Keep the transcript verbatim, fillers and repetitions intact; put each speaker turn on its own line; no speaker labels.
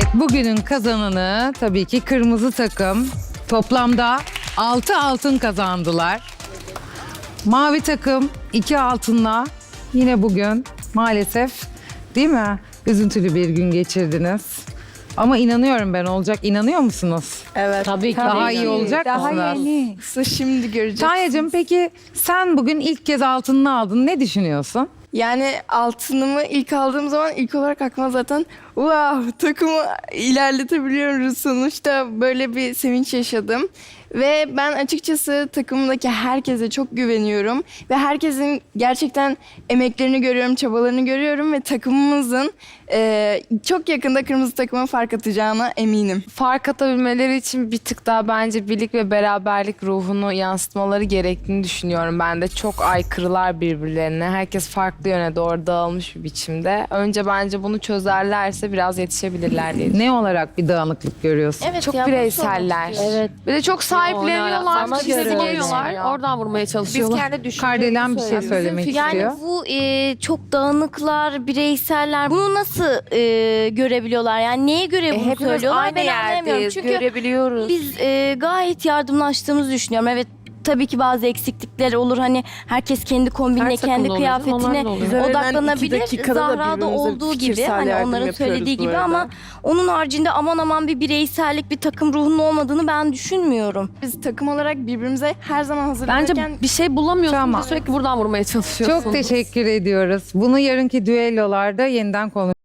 Bugünün kazananı tabii ki kırmızı takım. Toplamda altı altın kazandılar. Mavi takım iki altınla yine bugün maalesef, değil mi? Üzüntülü bir gün geçirdiniz. Ama inanıyorum ben, olacak. İnanıyor musunuz?
Evet.
Tabii ki.
Daha iyi olacak
Daha
mısınız?
yeni.
Size şimdi göreceğiz.
Tanya'cığım, peki sen bugün ilk kez altınını aldın. Ne düşünüyorsun?
Yani altınımı ilk aldığım zaman ilk olarak aklıma zaten wow, takımı ilerletebiliyoruz sonuçta, böyle bir sevinç yaşadım. Ve ben açıkçası takımımdaki herkese çok güveniyorum. Ve herkesin gerçekten emeklerini görüyorum, çabalarını görüyorum. Ve takımımızın e, çok yakında kırmızı takıma fark atacağına eminim.
Fark atabilmeleri için bir tık daha bence birlik ve beraberlik ruhunu yansıtmaları gerektiğini düşünüyorum ben de. Çok aykırılar birbirlerine. Herkes farklı yöne doğru dağılmış bir biçimde. Önce bence bunu çözerlerse biraz yetişebilirler diye düşünüyorum.
Ne olarak bir dağınıklık görüyorsun?
Evet
Çok
ya, bunu
bireyseller.
sormak
Evet.
Bir de çok sahipleniyorlar.
Sana
Bizi
göre
bulamıyorlar.
yani. Oradan vurmaya
Biz
çalışıyorlar.
kendi düşündüğümüzü
Kardelen bir şey
söylüyoruz.
söylemek istiyor.
Yani bu e, çok dağınıklar, bireyseller bunu nasıl e, görebiliyorlar? Yani neye göre
E,
bunu
hepimiz
söylüyorlar?
aynı
Ben anlayamıyorum.
yerdeyiz,
Çünkü
görebiliyoruz.
biz e, gayet yardımlaştığımızı düşünüyorum. Evet, tabii ki bazı eksiklikler olur. Hani herkes kendi kombinine,
Her
kendi
takımda oluyor, onlar
kıyafetine
da oluyor.
Bize verilen iki
odaklanabilir.
dakikada da
Zahra'da
birbirimize
olduğu gibi,
fikirsel
hani
yardım
onların
yapıyoruz
söylediği
bu
gibi,
arada.
ama onun haricinde aman aman bir bireysellik, bir takım ruhunun olmadığını ben düşünmüyorum.
Biz takım olarak birbirimize her zaman
Bence
hazırlanırken
bir şey bulamıyorsun
Tamam.
ve sürekli buradan vurmaya çalışıyorsun.
Çok teşekkür ediyoruz. Bunu yarınki düellolarda yeniden konuşuruz.